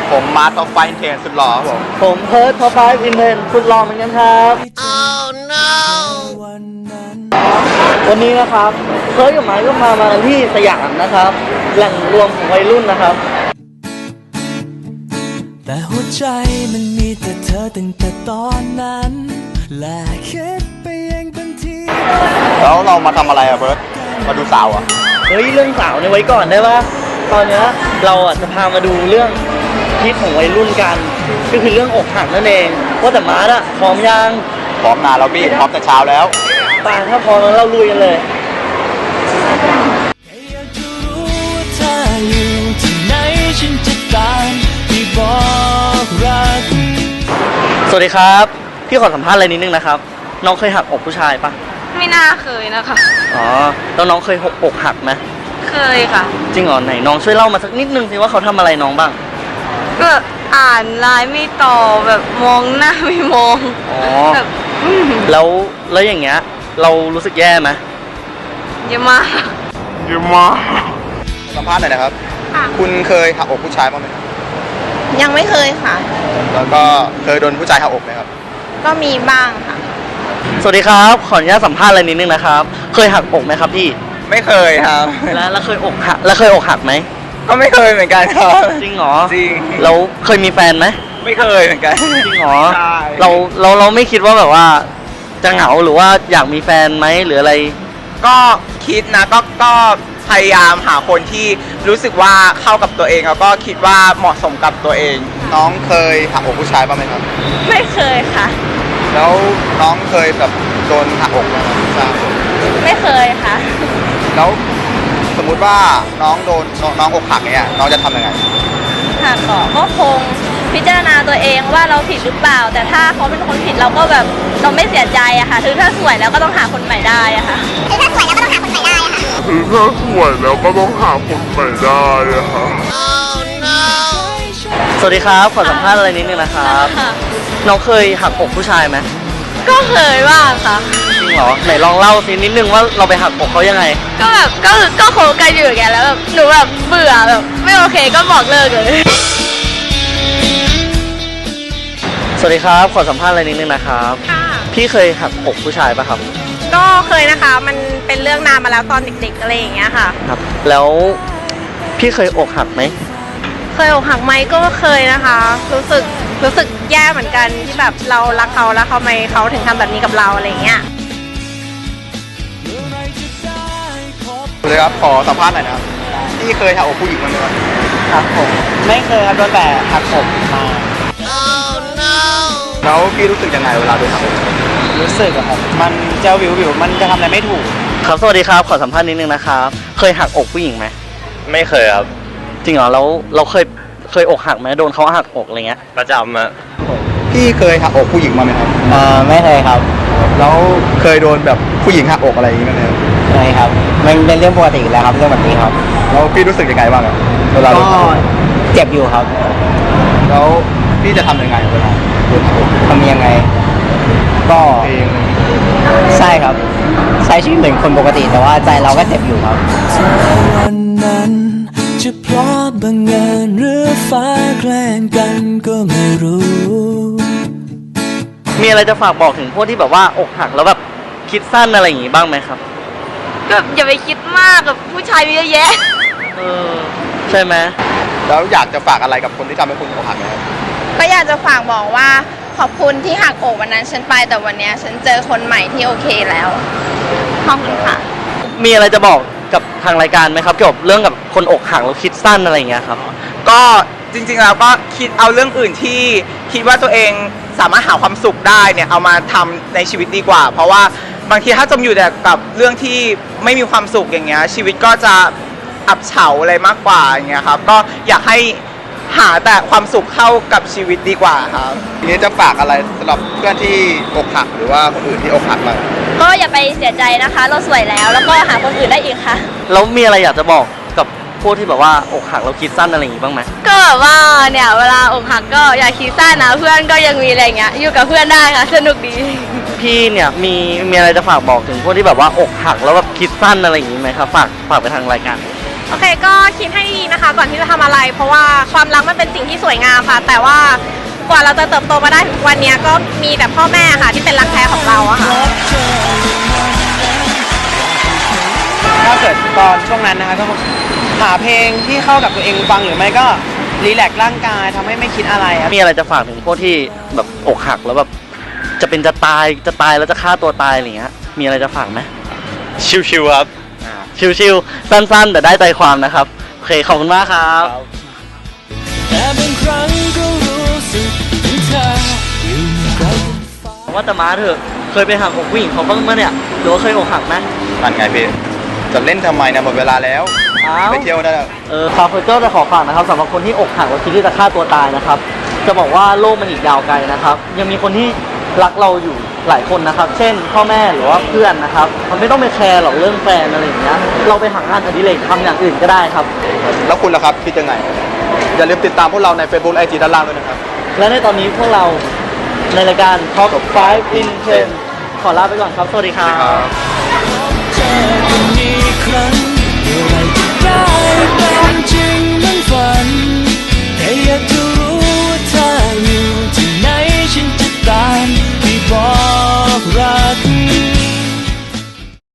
ผมมาร์ทท็อปไฟน์เทนสุดหล่อครับผมเพิร์ทท็อป5อินเทนสุดหล่อเหมือนกันครับ วันนี้นะครับเพิร์ทกับไม้ก็มากันที่สยามนะครับแหล่งรวมของวัยรุ่นนะครับแต่หัวใจมันมีแต่เธอตั้งแต่ตอนนั้นและคิดไปเองทันทีแล้วเรามาทำอะไรอะเบิร์ตมาดูสาวอะเฮ้ยเรื่องสาวเนี่ยไว้ก่อนได้ปะตอนนี้เราจะพามาดูเรื่องฮิตของวัยรุ่นกันก็คือเรื่องอกหักนั่นเองว่าแต่มาร์ทอะพร้อมยังพร้อมนานแล้วพี่พร้อมแต่เช้าแล้วป่าถ้าพร้อมแล้วเราลุยกันเลยสวัสดีครับพี่ขอสัมภาษณ์อะไรนิดนึงนะครับน้องเคยหักอกผู้ชายปะไม่น่าเคยนะคะอ๋อแล้วน้องเคยอกหักไหมเคยค่ะจริงเหรอไหนน้องช่วยเล่ามาสักนิดนึงสิว่าเขาทำอะไรน้องบ้างก็อ่านไลน์ไม่ตอบแบบมองหน้าไม่มองอ๋อแบบแล้วอย่างเงี้ยเรารู้สึกแย่ไหมเยอะมากสัมภาษณ์หน่อยนะครับคุณเคยหักอกผู้ชายบ้างไหมครับยังไม่เคยค่ะแล้วก็เคยโดนผู้ชายหักอกไหมครับก็มีบ้างค่ะสวัสดีครับขออนุญาตสัมภาษณ์อะไรนิดนึงนะครับเคยหักอกไหมครับพี่ไม่เคยครับแล้วเคยอกหักไหมก็ไม่เคยเหมือนกันครับจริงเหรอจริงเราเคยมีแฟนไหมไม่เคยเหมือนกันจริงเหรอเราไม่คิดว่าแบบว่าจะเหงาหรือว่าอยากมีแฟนไหมหรืออะไรก็คิดนะก็พยายามหาคนที่รู้สึกว่าเข้ากับตัวเองแล้วก็คิดว่าเหมาะสมกับตัวเองน้องเคยหักอกผู้ชายบ้างไหมครับไม่เคยค่ะแล้วน้องเคยแบบโดนหักอกไหมครับไม่เคยค่ะแล้วสมมุติว่าน้องโดนน้องอกหักเนี่ยน้องจะทำยังไงหักก็คงพิจารณาตัวเองว่าเราผิดหรือเปล่าแต่ถ้าเขาเป็นคนผิดเราก็แบบเราไม่เสียใจอะค่ะคือถ้าสวยแล้วก็ต้องหาคนใหม่ได้อะค่ะคือถ้าสวยแล้วก็ต้องหาคนใหม่ได้อะค่ะสวัสดีครับขอสัมภาษณ์อะไรนิดนึงนะครับน้องเคยหักอกผู้ชายไหมก็เคยบ้างค่ะจริงเหรอไหนลองเล่าสินิดนึงว่าเราไปหักอกเขายังไงก็แบบก็โคกันอยู่อย่างเงี้ยแล้วแบบหนูแบบเบื่อแบบไม่โอเคก็บอกเลิกเลยสวัสดีครับขอสัมภาษณ์อะไรนิดนึงนะครับพี่เคยหักอกผู้ชายปะครับก็เคยนะคะมันเป็นเรื่องนานมาแล้วตอนเด็กๆอะไรอย่างเงี้ยค่ะครับแล้วพี่เคยอกหักไหมเคยอกหักไหมก็เคยนะคะรู้สึกแย่เหมือนกันที่แบบเรารักเขาแล้วเขาทำไมเขาถึงทำแบบนี้กับเราอะไรอย่างเงี้ยเลยครับขอสัมภาษณ์หน่อยนะครับพี่เคยหักอกผู้หญิงมั้ยครับครับผมไม่เคยครับโดนแต่หักอกมาแล้วพี่รู้สึกยังไงเวลาโดนหักอกรู้สึกอะครับมันจะวิวมันจะทำอะไรไม่ถูกครับสวัสดีครับขอสัมภาษณ์นิดนึงนะครับเคยหักอกผู้หญิงไหมไม่เคยครับจริงเหรอแล้วเราเคยอกหักไหมโดนเขาหักอกอะไรเงี้ยประจำอะพี่เคยหักอกผู้หญิงมาไหมครับไม่เคยครับแล้วเคยโดนแบบผู้หญิงหักอกอะไรอย่างเงี้ยไหมครับไม่ครับมันเป็นเรื่องปกติแล้วครับเรื่องแบบนี้ครับแล้วพี่รู้สึกยังไงบ้างครับเวลาก็เจ็บอยู่ครับแล้วพี่จะทำยังไงเวลาโดนหักอกทำยังไงก็ใช่ครับใช้ชีวิตเหมือนคนปกติแต่ว่าใจเราก็เจ็บอยู่ครับวันนั้นจะเพราะบังเอิญหรือฟ้าแกล้งกันก็ไม่รู้มีอะไรจะฝากบอกถึงพวกที่แบบว่าอกหักแล้วแบบคิดสั้นอะไรอย่างงี้บ้างไหมครับก็อย่าไปคิดมากกับผู้ชายมีเยอะแยะใช่ไหมแล้วอยากจะฝากอะไรกับคนที่ทำให้คุณอกหักไหมครับก็อยากจะฝากบอกว่าขอบคุณที่หักอกวันนั้นฉันไปแต่วันนี้ฉันเจอคนใหม่ที่โอเคแล้วขอบคุณค่ะมีอะไรจะบอกกับทางรายการไหมครับเกี่ยวกับเรื่องกับคนอกหักแล้วคิดสั้นอะไรอย่างเงี้ยครับก็จริงๆแล้วก็คิดเอาเรื่องอื่นที่คิดว่าตัวเองสามารถหาความสุขได้เนี่ยเอามาทำในชีวิตดีกว่าเพราะว่าบางทีถ้าจมอยู่แต่กับเรื่องที่ไม่มีความสุขอย่างเงี้ยชีวิตก็จะอับเฉาอะไรมากกว่าอย่างเงี้ยครับก็อยากให้หาแต่ความสุขเข้ากับชีวิตดีกว่าครับทีนี้จะฝากอะไรสำหรับเพื่อนที่อกหักหรือว่าคนอื่นที่อกหักบ้างก็อย่าไปเสียใจนะคะเราสวยแล้วก็หาคนอื่นได้อีกค่ะแล้วมีอะไรอยากจะบอกกับพวกที่แบบว่าอกหักแล้วคิดสั้นอะไรอย่างงี้บ้างไหมก็แบบว่าเนี่ยเวลาอกหักก็อย่าคิดสั้นนะเพื่อนก็ยังมีอะไรเงี้ยอยู่กับเพื่อนได้ค่ะสนุกดีพี่เนี่ยมีอะไรจะฝากบอกถึงพวกที่แบบว่าอกหักแล้วแบบคิดสั้นอะไรอย่างงี้ไหมครับฝากไปทางรายการโอเคก็คิดให้ดีนะคะก่อนที่จะทำอะไร เพราะว่าความรักมันเป็นสิ่งที่สวยงามค่ะ แต่ว่ากว่าเราจะเติบโตมาได้ถึงวันนี้ก็มีแต่พ่อแม่ค่ะที่เป็นรักแท้ของเราอะค่ะถ้าเกิดตอนช่วงนั้นนะคะก็หาเพลงที่เข้ากับตัวเองฟังหรือไม่ก็รีแลกซ์ร่างกายทำให้ไม่คิดอะไรครับมีอะไรจะฝากถึงพวกที่แบบอกหักแล้วแบบจะตายแล้วจะฆ่าตัวตายอะไรอย่างเงี้ยมีอะไรจะฝากไหมชิวๆครับชิวๆสั้นๆ แต่ได้ใจความนะครับโอเคขอบคุณมากครับแต่บางครั้งก็รู้สึกถึงเธออยู่ไกลกันฟ้าว่าแต่ม้าเถอะเคยไปหักอกผู้หญิงเขาบ้างมั้ยเนี่ยหรือว่าเคยอกหักไหมนั่นไงพี่ จะเล่นทำไมเนี่ยหมดเวลาแล้วอ้าวไปเที่ยวได้แล้วคาเฟเจอร์จะขอฝากนะครับสำหรับคนที่อกหักแล้วคิดที่จะฆ่าตัวตายนะครับจะบอกว่าโลกมันอีกยาวไกลนะครับยังมีคนที่รักเราอยู่หลายคนนะครับเช่นพ่อแม่หรือว่าเพื่อนนะครับมันไม่ต้องไปแคร์หรอกเรื่องแฟนอะไรอย่างเงี้ยเราไปหางานอดิเรกทำอย่างอื่นก็ได้ครับแล้วคุณล่ะครับคิดยังไง อย่าลืมติดตามพวกเราใน Facebook และ IG ด้านล่างด้วยนะครับและในตอนนี้พวกเราในรายการ Top 5 in 10 ขอลาไปก่อนครับ สวัสดีครับเจอกันอีกครั้งเมื่อไร